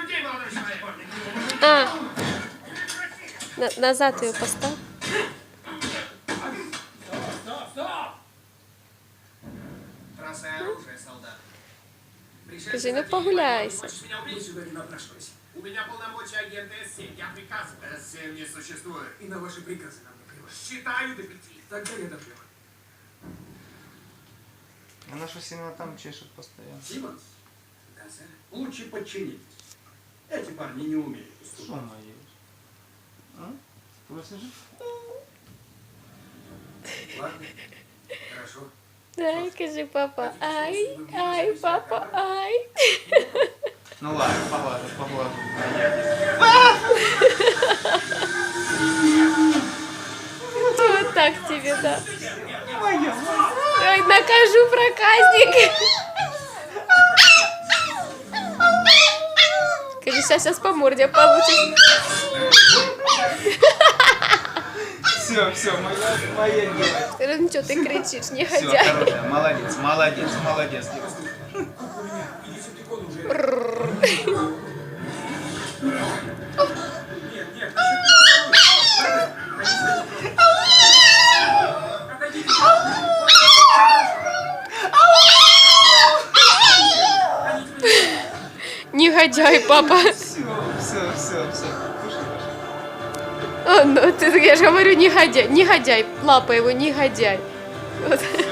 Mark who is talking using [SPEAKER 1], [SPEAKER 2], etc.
[SPEAKER 1] людей, молодой человек!
[SPEAKER 2] Назад ее поставь.
[SPEAKER 1] Стоп! Бросай оружие, солдат.
[SPEAKER 2] Скажи, ну погуляйся.
[SPEAKER 1] Хочешь меня убить? Сюда не напрашивайся. У меня полномочия агента С7. Я приказываю. С7 не существует. И на ваши приказы нам наплевать. Считаю до 5. Тогда я доплеваю.
[SPEAKER 3] Она что сильно там чешет постоянно.
[SPEAKER 4] Симонс, лучше подчинитесь. Эти парни не умеют
[SPEAKER 3] Что
[SPEAKER 4] уступать.
[SPEAKER 3] мои? А? Слышишь?
[SPEAKER 4] Ладно, хорошо.
[SPEAKER 2] Ай, скажи, папа, ай, папа, ай.
[SPEAKER 3] Ну ладно, поглажу.
[SPEAKER 2] Вот так тебе, да. Ой, накажу проказник. Скажи, сейчас по морде получишь.
[SPEAKER 3] Все, моя девочка.
[SPEAKER 2] Ну что ты кричишь, не
[SPEAKER 3] Все,
[SPEAKER 2] ходя.
[SPEAKER 3] хорошая, молодец.
[SPEAKER 2] Негодяй, папа.
[SPEAKER 3] Все.
[SPEAKER 2] О, ну, я же говорю, негодяй. Негодяй. Лапа его, негодяй. Вот.